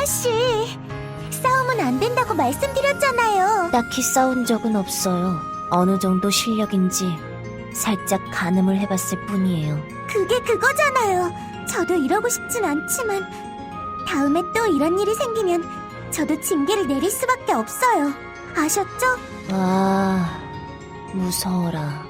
은하씨, 싸우면 안 된다고 말씀드렸잖아요. 딱히 싸운 적은 없어요. 어느 정도 실력인지 살짝 가늠을 해봤을 뿐이에요. 그게 그거잖아요. 저도 이러고 싶진 않지만 다음에 또 이런 일이 생기면 저도 징계를 내릴 수밖에 없어요. 아셨죠? 아, 무서워라.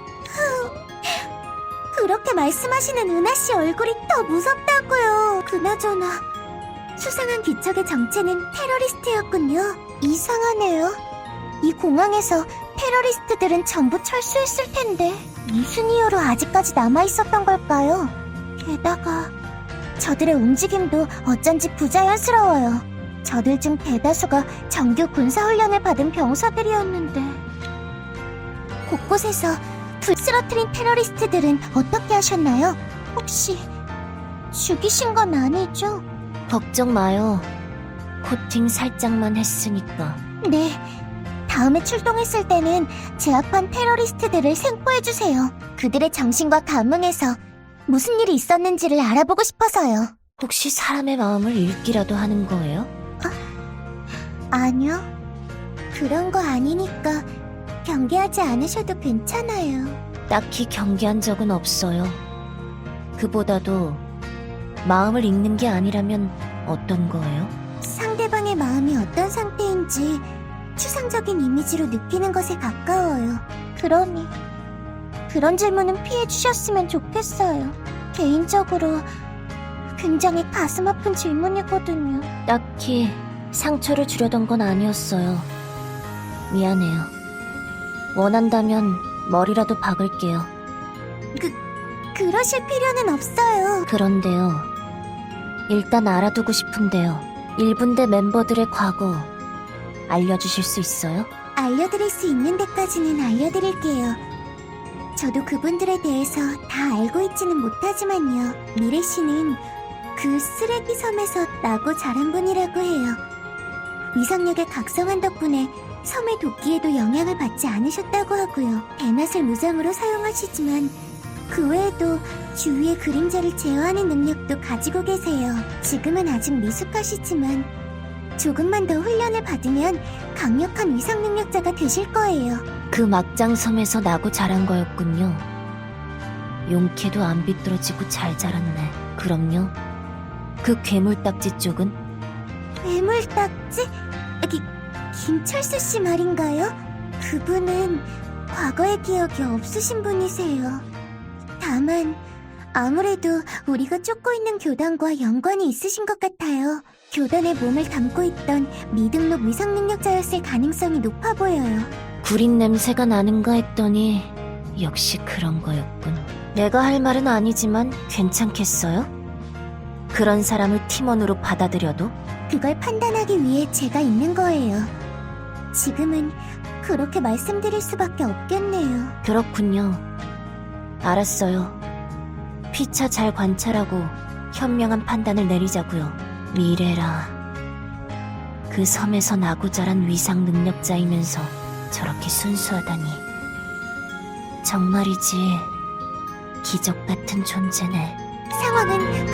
그렇게 말씀하시는 은하씨 얼굴이 더 무섭다고요. 그나저나 수상한 기척의 정체는 테러리스트였군요. 이상하네요. 이 공항에서 테러리스트들은 전부 철수했을 텐데 무슨 이유로 아직까지 남아있었던 걸까요? 게다가 저들의 움직임도 어쩐지 부자연스러워요. 저들 중 대다수가 정규 군사훈련을 받은 병사들이었는데 곳곳에서 불 쓰러뜨린 테러리스트들은 어떻게 하셨나요? 혹시 죽이신 건 아니죠? 걱정 마요. 코팅 살짝만 했으니까. 네, 다음에 출동했을 때는 제압한 테러리스트들을 생포해주세요. 그들의 정신과 감흥에서 무슨 일이 있었는지를 알아보고 싶어서요. 혹시 사람의 마음을 읽기라도 하는 거예요? 아니요, 그런 거 아니니까 경계하지 않으셔도 괜찮아요. 딱히 경계한 적은 없어요. 그보다도 마음을 읽는 게 아니라면 어떤 거예요? 상대방의 마음이 어떤 상태인지 추상적인 이미지로 느끼는 것에 가까워요. 그러니 그런 질문은 피해주셨으면 좋겠어요. 개인적으로 굉장히 가슴 아픈 질문이거든요. 딱히 상처를 주려던 건 아니었어요. 미안해요. 원한다면 머리라도 박을게요. 그러실 필요는 없어요. 그런데요. 일단 알아두고 싶은데요. 1분대 멤버들의 과거 알려주실 수 있어요? 알려드릴 수 있는 데까지는 알려드릴게요. 저도 그분들에 대해서 다 알고 있지는 못하지만요. 미래 씨는 그 쓰레기 섬에서 나고 자란 분이라고 해요. 위상력의 각성한 덕분에 섬의 도끼에도 영향을 받지 않으셨다고 하고요. 대낮을 무장으로 사용하시지만 그 외에도 주위의 그림자를 제어하는 능력도 가지고 계세요. 지금은 아직 미숙하시지만 조금만 더 훈련을 받으면 강력한 위상 능력자가 되실 거예요. 그 막장섬에서 나고 자란 거였군요. 용케도 안 비뚤어지고 잘 자랐네. 그럼요. 그 괴물딱지 쪽은? 괴물딱지? 김철수 씨 말인가요? 그분은 과거의 기억이 없으신 분이세요. 다만 아무래도 우리가 쫓고 있는 교단과 연관이 있으신 것 같아요. 교단에 몸을 담고 있던 미등록 위상 능력자였을 가능성이 높아 보여요. 구린 냄새가 나는가 했더니 역시 그런 거였군. 내가 할 말은 아니지만 괜찮겠어요? 그런 사람을 팀원으로 받아들여도? 그걸 판단하기 위해 제가 있는 거예요. 지금은 그렇게 말씀드릴 수밖에 없겠네요. 그렇군요. 알았어요. 피차 잘 관찰하고 현명한 판단을 내리자고요. 미래라. 그 섬에서 나고 자란 위상 능력자이면서 저렇게 순수하다니. 정말이지 기적 같은 존재네. 상황은